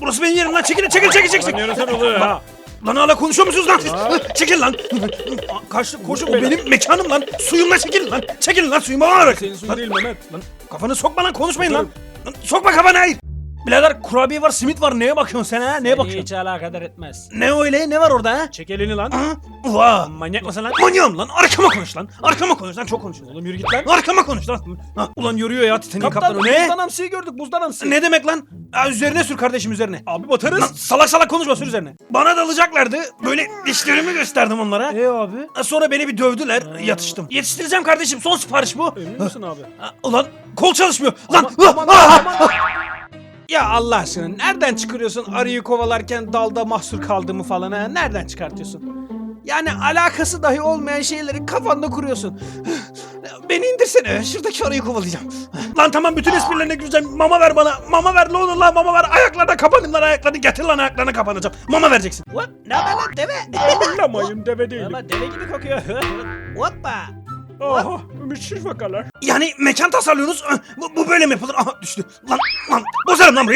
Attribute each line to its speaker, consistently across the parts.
Speaker 1: Burası benim yerim lan. Çekil.
Speaker 2: Lan yarısı oluyor ya.
Speaker 1: Lan hala konuşuyor musunuz lan siz? Çekil lan.
Speaker 2: Kaçtık koşun
Speaker 1: O
Speaker 2: beyler.
Speaker 1: benim mekanım lan. Suyumla çekilin lan. Çekilin lan suyuma bakarak.
Speaker 2: Senin suyun
Speaker 1: Lan,
Speaker 2: değil Mehmet. Lan
Speaker 1: kafanı sokma lan, konuşmayın lan. Lan sokma kafanı, hayır. Birader kurabiye var, simit var. Neye bakıyorsun sen ha? Neye bakıyorsun?
Speaker 2: hiç alakadar etmez.
Speaker 1: Ne öyle? Ne var orada ha?
Speaker 2: Çek elini lan.
Speaker 1: Ha? Vaa.
Speaker 2: Manyak mısın lan?
Speaker 1: Manyağım lan. Arkama konuş lan. Arkama konuş lan. Çok konuşuyorsun.
Speaker 2: Oğlum yürü git lan.
Speaker 1: Arkama konuş lan. Ha, ulan yoruyor ya Titanik kaptanı. Ne?
Speaker 2: buzdan hamsiyi gördük buzdan hamsi.
Speaker 1: Ne demek lan? Ha, üzerine sür kardeşim, üzerine.
Speaker 2: Abi batarız.
Speaker 1: Lan salak konuşma, sür üzerine. Bana dalacaklardı. Böyle dişlerimi gösterdim onlara.
Speaker 2: Abi?
Speaker 1: Ha, sonra beni bir dövdüler. Yatıştım. Yetiştireceğim kardeşim. Son sipariş bu.
Speaker 2: Emin misin abi?
Speaker 1: Ha, ulan kol çalışmıyor. Lan.
Speaker 2: Aman. Ya Allah aşkına nereden çıkarıyorsun arıyı kovalarken dalda mahsur kaldığımı falan ha? Nereden çıkartıyorsun? Yani alakası dahi olmayan şeyleri kafanda kuruyorsun. Beni indirsene, şuradaki arıyı kovalayacağım.
Speaker 1: Lan tamam, bütün esprilerine güleceğim. Mama ver bana. Mama ver, ne olur lan, mama ver. Ayaklarına kapanayım lan, ayaklarını. Getir lan, ayaklarına kapanacağım. Mama vereceksin.
Speaker 2: What? Ne haber lan deve?
Speaker 3: Anlamayın deve değilim.
Speaker 2: Ama deve gibi kokuyor. Hoppa.
Speaker 3: Aha müşrif vakalar.
Speaker 1: Yani mekan tasarlıyorsunuz. Bu böyle mi yapılır? Aha düştü. Lan bozarım lan burayı.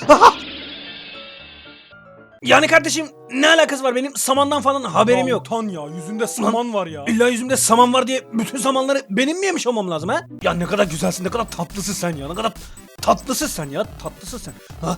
Speaker 1: Yani kardeşim ne alakası var, benim samandan falan haberim yok.
Speaker 3: Tan ya yüzünde saman var ya.
Speaker 1: İlla yüzümde saman var diye bütün samanları benim mi yemiş olmam lazım ha? Ya ne kadar güzelsin, ne kadar tatlısın sen ya. Ne kadar tatlısın sen ya. Tatlısın sen. Ha.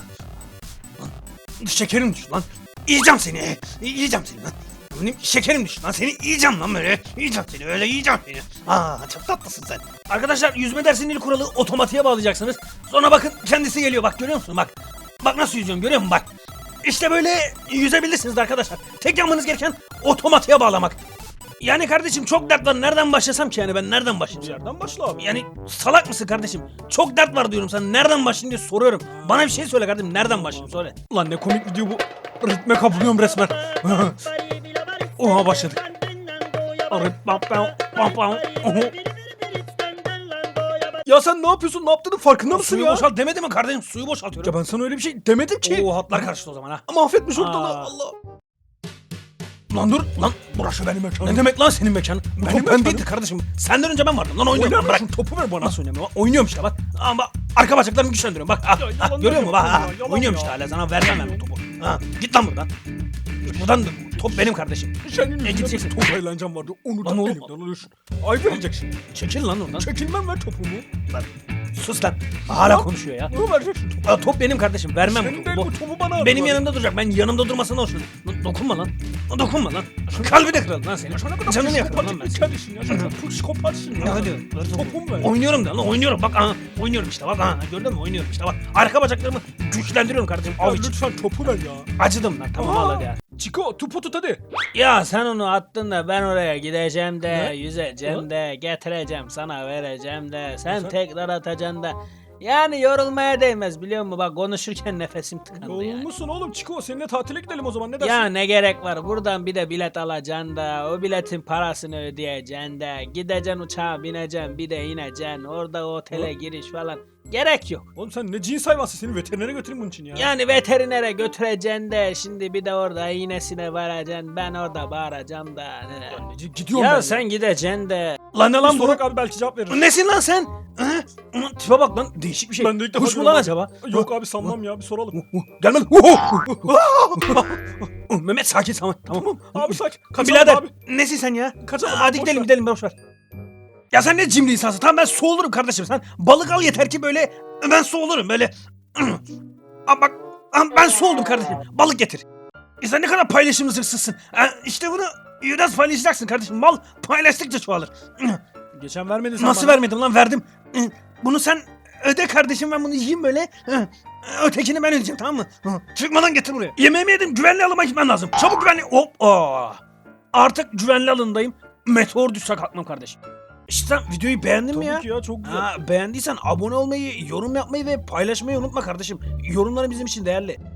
Speaker 1: Lan, şekerim düştü lan. Yiyeceğim seni. Yiyeceğim seni lan. Benim şekerim düştü lan. Seni yiyeceğim lan böyle. Yiyeceğim seni, öyle yiyeceğim seni. Çok tatlısın sen. Arkadaşlar, yüzme dersinin ilk kuralı otomatiğe bağlayacaksınız. Sonra bakın kendisi geliyor, bak görüyor musun, bak. Bak nasıl yüzüyorum, görüyor musun, bak. İşte böyle yüzebilirsiniz arkadaşlar. Tek yapmanız gereken otomatiğe bağlamak. Yani kardeşim çok dert var. Nereden başlasam ki yani, ben nereden
Speaker 3: Bir
Speaker 1: başlayacağım?
Speaker 3: yerden başla abi.
Speaker 1: Yani salak mısın kardeşim? Çok dert var diyorum sana. Nereden başlayayım diye soruyorum. Bana bir şey söyle kardeşim. Nereden başlayayım, söyle. Ulan ne komik video bu. Ritme kapılıyorum resmen. Oha başladık.
Speaker 3: Ya sen ne yapıyorsun? Ne yaptığının farkında mısın
Speaker 1: Suyu
Speaker 3: ya?
Speaker 1: boşalt demedi mi kardeşim? Suyu boşaltıyorum.
Speaker 3: Ya ben sana öyle bir şey demedim ki.
Speaker 1: Oo, hatlar karıştı o zaman ha.
Speaker 3: Mahvetmiş ortalığı.
Speaker 1: Aa.
Speaker 3: Allah.
Speaker 1: Lan dur lan, burası benim mekanım. Ne demek lan senin mekanın? Bu
Speaker 3: Benim
Speaker 1: top ben
Speaker 3: mekanım.
Speaker 1: değildi kardeşim. Senden önce ben vardım lan, oynuyorum.
Speaker 3: Oynar
Speaker 1: Bırak.
Speaker 3: mısın? Topu ver bana.
Speaker 1: Nasıl oynuyorum? Oynuyorum işte bak. Ama arka bacaklarımı güçlendiriyorum bak.
Speaker 3: yalan
Speaker 1: Görüyor musun? Bak.
Speaker 3: yapıyorsun ya, yalan
Speaker 1: Oynuyorum
Speaker 3: ya.
Speaker 1: işte hala, sana vermem ben bu topu. Git lan buradan. Git buradan, top benim kardeşim.
Speaker 3: Senin
Speaker 1: E,
Speaker 3: yüzünden
Speaker 1: gideceksin.
Speaker 3: bir top eğlencem vardı. Onu da
Speaker 1: Lan oğlum.
Speaker 3: elimden alıyorsun. Ayıp edeceksin.
Speaker 1: Çekil lan oradan.
Speaker 3: Çekilmem ver topumu.
Speaker 1: Sus lan. Hala konuşuyor ya.
Speaker 3: Bunu vereceksin topu.
Speaker 1: Top benim kardeşim, vermem
Speaker 3: Senin
Speaker 1: bu
Speaker 3: değil
Speaker 1: topu.
Speaker 3: bu topu bana
Speaker 1: Benim
Speaker 3: ver.
Speaker 1: yanımda duracak. Ben yanımda durmasına hoşlanım. Dokunma lan. Dokunma lan. Kalbini kıralım lan senin.
Speaker 3: Sana kadar
Speaker 1: Canını yakarım lan ben
Speaker 3: psikopatik bir kedisin ya. Sen psikopatsın ya.
Speaker 1: Ya hadi.
Speaker 3: Topumu ver.
Speaker 1: Oynuyorum da lan, oynuyorum bak, oynuyorum işte bak, gördün mü, oynuyorum işte bak. Arka bacaklarımı güçlendiriyorum kardeşim.
Speaker 3: Ya
Speaker 1: Av için.
Speaker 3: lütfen topu ver ya.
Speaker 1: Acıdım lan, tamam al hadi ya.
Speaker 3: Chico topu tut hadi.
Speaker 2: Ya sen onu attın da ben oraya gideceğim de,
Speaker 3: Ne?
Speaker 2: yüzeceğim de, getireceğim sana vereceğim de, sen
Speaker 3: Sen-
Speaker 2: tekrar atacaksın da. Yani yorulmaya değmez biliyor musun? Bak konuşurken nefesim tıkandı yani.
Speaker 3: Yorulmuşsun oğlum Chico. Seninle tatile gidelim o zaman ne dersin?
Speaker 2: Ya ne gerek var? Buradan bir de bilet alacaksın da, o biletin parasını ödeyeceksin de, gideceksin uçağa bineceksin, bir de ineceksin, orada otele giriş falan. Gerek yok.
Speaker 3: Oğlum sen ne cins hayvansın, seni veterinere götüreyim bunun için ya.
Speaker 2: Yani veterinere götüreceksin de, şimdi bir de orada iğnesine varacaksın, ben orada bağıracağım da.
Speaker 3: Gidiyorum
Speaker 2: Ya
Speaker 3: ben
Speaker 2: sen gideceksin de.
Speaker 1: Lan ne lan bu?
Speaker 3: Sorak abi belki cevap verir.
Speaker 1: Nesin lan sen? Ulan tipe bak lan, değişik bir şey.
Speaker 3: Ben de ilk defa
Speaker 1: Kuş mu lan
Speaker 3: görüyorum.
Speaker 1: acaba?
Speaker 3: Yok abi sanmam ya bir soralım.
Speaker 1: Gel lan. Mehmet sakin, tamam.
Speaker 3: Abi sakin. Kaçalım
Speaker 1: Birader
Speaker 3: abi.
Speaker 1: nesin sen ya?
Speaker 3: Kaçalım
Speaker 1: Hadi
Speaker 3: abi,
Speaker 1: gidelim boş ver. Ya sen ne cimri insansın. Tamam ben su olurum kardeşim. Sen balık al yeter ki böyle, ben su olurum böyle. Bak ben su oldum kardeşim. Balık getir. Sen ne kadar paylaşımsızsın. İşte bunu biraz paylaşacaksın kardeşim. Mal paylaştıkça çoğalır.
Speaker 3: Geçen vermedin sen
Speaker 1: Nasıl
Speaker 3: bana.
Speaker 1: vermedim lan, verdim. Bunu sen öde kardeşim, ben bunu yiyeyim böyle. Ötekini ben ödeyeceğim, tamam mı? Çıkmadan getir buraya. Yemeğimi yedim, güvenli alıma gitmem lazım. Çabuk güvenli. Hop. Artık güvenli alındayım. Meteor düşse kalkmam kardeşim. İşte sen videoyu beğendin mi ya?
Speaker 3: Tabii ki ya çok güzel.
Speaker 1: Beğendiysen abone olmayı, yorum yapmayı ve paylaşmayı unutma kardeşim. Yorumların bizim için değerli.